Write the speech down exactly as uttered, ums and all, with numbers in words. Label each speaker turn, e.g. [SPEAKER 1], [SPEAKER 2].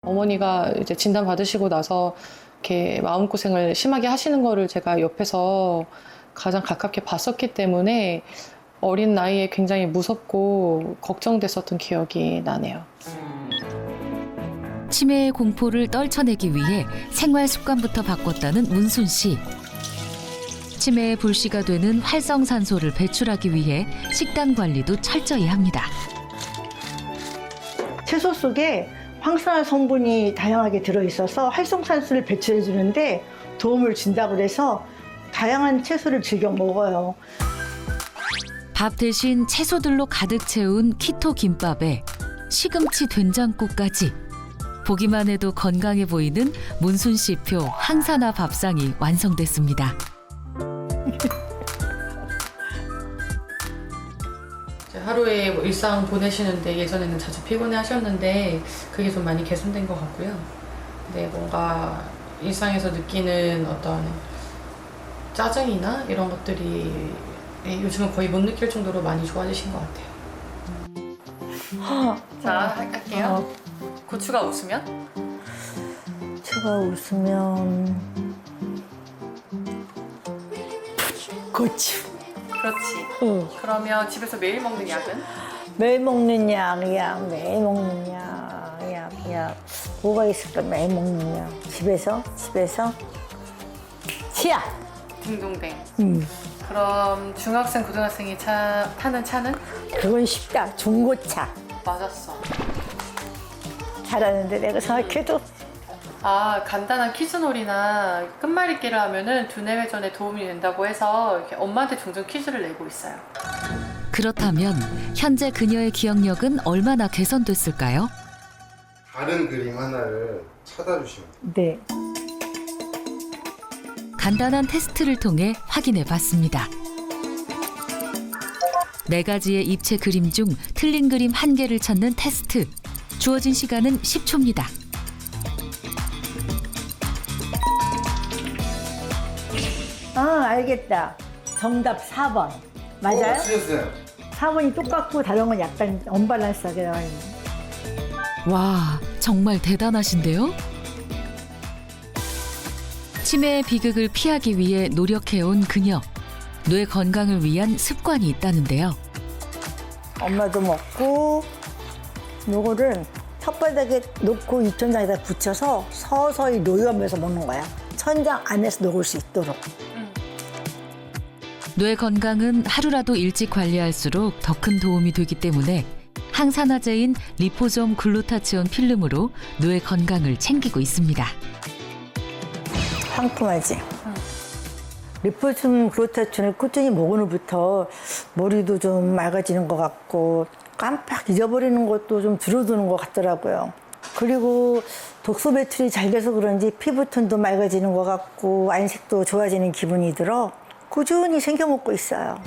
[SPEAKER 1] 어머니가 이제 진단 받으시고 나서 이렇게 마음고생을 심하게 하시는 거를 제가 옆에서 가장 가깝게 봤었기 때문에 어린 나이에 굉장히 무섭고 걱정됐었던 기억이 나네요.
[SPEAKER 2] 치매의 공포를 떨쳐내기 위해 생활 습관부터 바꿨다는 문순 씨. 치매의 불씨가 되는 활성산소를 배출하기 위해 식단 관리도 철저히 합니다.
[SPEAKER 3] 채소 속에 황산화 성분이 다양하게 들어있어서 활성산소를 배출해 주는데 도움을 준다고 해서 다양한 채소를 즐겨 먹어요.
[SPEAKER 2] 밥 대신 채소들로 가득 채운 키토 김밥에 시금치 된장국까지. 보기만 해도 건강해 보이는 문순 씨표 항산화 밥상이 완성됐습니다.
[SPEAKER 1] 하루에 뭐 일상 보내시는데 예전에는 자주 피곤해 하셨는데 그게 좀 많이 개선된 것 같고요. 근데 뭔가 일상에서 느끼는 어떤 짜증이나 이런 것들이 요즘은 거의 못 느낄 정도로 많이 좋아지신 것 같아요. 자, 할게요. 고추가 웃으면?
[SPEAKER 3] 제가 웃으면 고추.
[SPEAKER 1] 그렇지.
[SPEAKER 3] 응.
[SPEAKER 1] 그러면 집에서 매일 먹는 약은?
[SPEAKER 3] 매일 먹는 약, 약, 매일 먹는 약, 약, 약. 뭐가 있을까? 매일 먹는 약. 집에서, 집에서 치약.
[SPEAKER 1] 딩동댕.
[SPEAKER 3] 음.
[SPEAKER 1] 그럼 중학생, 고등학생이 차, 타는 차는?
[SPEAKER 3] 그건 쉽다. 중고차.
[SPEAKER 1] 맞았어.
[SPEAKER 3] 잘하는데 내가 생각해도.
[SPEAKER 1] 아, 간단한 퀴즈놀이나 끝말잇기를 하면은 두뇌 회전에 도움이 된다고 해서 이렇게 엄마한테 종종 퀴즈를 내고 있어요.
[SPEAKER 2] 그렇다면 현재 그녀의 기억력은 얼마나 개선됐을까요?
[SPEAKER 4] 다른 그림 하나를 찾아주시면 돼요.
[SPEAKER 3] 네.
[SPEAKER 2] 간단한 테스트를 통해 확인해 봤습니다. 네 가지의 입체 그림 중 틀린 그림 한 개를 찾는 테스트. 주어진 시간은 십 초입니다.
[SPEAKER 3] 아, 알겠다. 정답 사 번. 맞아요?
[SPEAKER 4] 어, 틀렸어요.
[SPEAKER 3] 사 번이 똑같고 다른 건 약간 언밸런스하게 나와 있는.
[SPEAKER 2] 와, 정말 대단하신데요? 치매의 비극을 피하기 위해 노력해온 그녀. 뇌 건강을 위한 습관이 있다는데요.
[SPEAKER 3] 엄마도 먹고 요거를 혓바닥에 놓고 유천장에다 붙여서 서서히 녹여면서 먹는 거야. 천장 안에서 녹을 수 있도록.
[SPEAKER 2] 뇌 건강은 하루라도 일찍 관리할수록 더 큰 도움이 되기 때문에 항산화제인 리포솜 글루타치온 필름으로 뇌 건강을 챙기고 있습니다.
[SPEAKER 3] 상큼하지? 리포솜 글루타치온을 꾸준히 먹은 후부터 머리도 좀 맑아지는 것 같고 깜빡 잊어버리는 것도 좀 줄어드는 것 같더라고요. 그리고 독소 배출이 잘 돼서 그런지 피부톤도 맑아지는 것 같고 안색도 좋아지는 기분이 들어 꾸준히 챙겨 먹고 있어요.